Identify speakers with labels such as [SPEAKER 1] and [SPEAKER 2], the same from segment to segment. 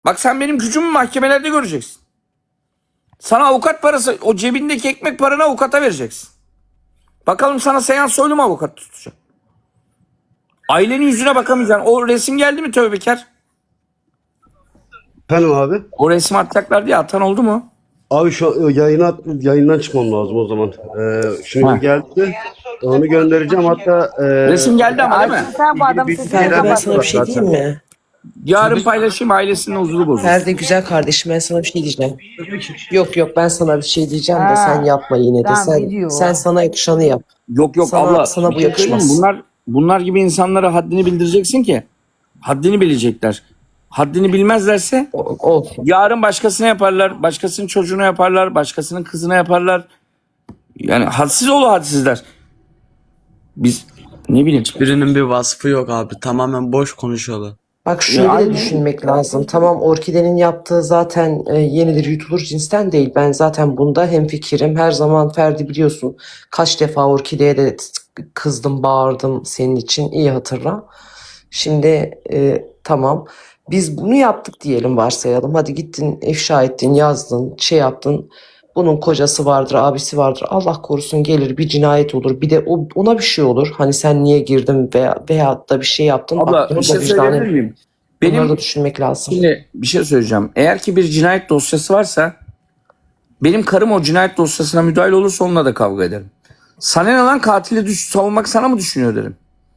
[SPEAKER 1] Bak sen benim gücümü mahkemelerde göreceksin. Sana avukat parası, o cebindeki ekmek paranı avukata vereceksin. Bakalım sana Seyhan Soylu mu avukat tutacak? Ailenin yüzüne bakamayacaksın. O resim geldi mi tövbekar?
[SPEAKER 2] Efendim abi?
[SPEAKER 1] O resmi atacaklar diye atan oldu mu?
[SPEAKER 2] Abi şu yayından çıkmam lazım o zaman. Şimdi
[SPEAKER 1] Ha.
[SPEAKER 2] geldi. Onu göndereceğim hatta.
[SPEAKER 1] Resim geldi ama değil mi?
[SPEAKER 3] Sen bu adam
[SPEAKER 2] bir
[SPEAKER 3] sesini
[SPEAKER 2] şeyler
[SPEAKER 4] Ferdi ben
[SPEAKER 3] kapat.
[SPEAKER 4] sana bir şey diyeyim mi?
[SPEAKER 1] Yarın paylaşayım, ailesinin huzuru bozulur.
[SPEAKER 4] Ferdi güzel kardeşim ben sana bir şey diyeceğim. Yok ben sana bir şey diyeceğim de
[SPEAKER 3] Ha.
[SPEAKER 4] sen yapma yine de.
[SPEAKER 3] Tamam,
[SPEAKER 4] Sen,
[SPEAKER 3] biliyor.
[SPEAKER 4] sen sana yakışanı yap.
[SPEAKER 1] Yok
[SPEAKER 4] Sana-
[SPEAKER 1] abla.
[SPEAKER 4] sana
[SPEAKER 1] bir
[SPEAKER 4] bu
[SPEAKER 1] şey söyleyeyim mi?
[SPEAKER 4] yakışmaz.
[SPEAKER 1] Bunlar gibi insanlara haddini bildireceksin ki haddini bilecekler. Haddini bilmezlerse
[SPEAKER 4] Olsun.
[SPEAKER 1] yarın başkasına yaparlar, başkasının çocuğuna yaparlar, başkasının kızına yaparlar. Yani hadsiz oğlu hadsizler. Biz ne bileyim.
[SPEAKER 5] Birinin bir vasfı yok abi. Tamamen boş konuşuyorlar.
[SPEAKER 4] Bak şöyle de
[SPEAKER 1] aynen.
[SPEAKER 4] düşünmek lazım. Tamam Orkide'nin yaptığı zaten yenilir yutulur cinsten değil. Ben zaten bunda hemfikirim. Her zaman Ferdi biliyorsun. Kaç defa Orkide'ye de kızdım, bağırdım senin için. İyi hatırla. Şimdi tamam. Biz bunu yaptık diyelim varsayalım. Hadi gittin ifşa ettin, yazdın, şey yaptın. Bunun kocası vardır, abisi vardır. Allah korusun gelir bir cinayet olur. Bir de ona bir şey olur. Hani sen niye girdin veya da bir şey yaptın.
[SPEAKER 1] Abla
[SPEAKER 4] Bak,
[SPEAKER 1] bir
[SPEAKER 4] bunu
[SPEAKER 1] şey
[SPEAKER 4] da vicdanen-
[SPEAKER 1] söyleyebilir miyim?
[SPEAKER 4] Bunları
[SPEAKER 1] Benim
[SPEAKER 4] da düşünmek lazım.
[SPEAKER 1] şimdi bir şey söyleyeceğim. Eğer ki bir cinayet dosyası varsa benim karım o cinayet dosyasına müdahil olursa onunla da kavga ederim. Sana ne lan katili savunmak sana mı düşünüyor derim.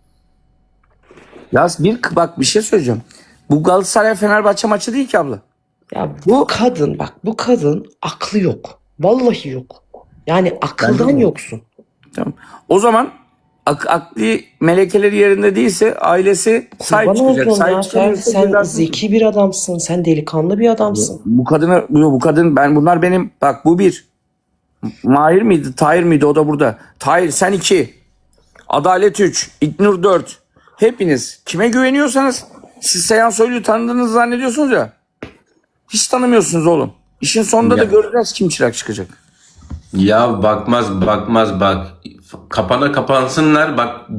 [SPEAKER 1] Ya bak bir şey söyleyeceğim. Bu Galatasaray Fenerbahçe maçı değil ki abla.
[SPEAKER 4] Ya bu kadın bak bu kadın aklı yok. Vallahi yok. Yani akıldan
[SPEAKER 1] Bence de.
[SPEAKER 4] yoksun.
[SPEAKER 1] Tamam. O zaman akli melekeleri yerinde değilse ailesi sahip
[SPEAKER 4] Bana
[SPEAKER 1] çıkacak.
[SPEAKER 4] oldun ya
[SPEAKER 1] Sahip
[SPEAKER 4] Ferdi,
[SPEAKER 1] çıkamıyorsa
[SPEAKER 4] sen
[SPEAKER 1] cezasını
[SPEAKER 4] zeki bir adamsın. Sen delikanlı bir adamsın.
[SPEAKER 1] bu kadın bunlar benim bak bu bir. Mahir miydi? Tahir miydi? O da burada. Tahir sen 2. Adalet 3. İknur 4. Hepiniz kime güveniyorsanız siz Seyhan Soylu'yu tanıdığınızı zannediyorsunuz ya. Hiç tanımıyorsunuz oğlum. İşin sonunda da
[SPEAKER 6] Ya.
[SPEAKER 1] göreceğiz kim çırak çıkacak.
[SPEAKER 6] Ya bakmaz bak. Kapana kapansınlar bak.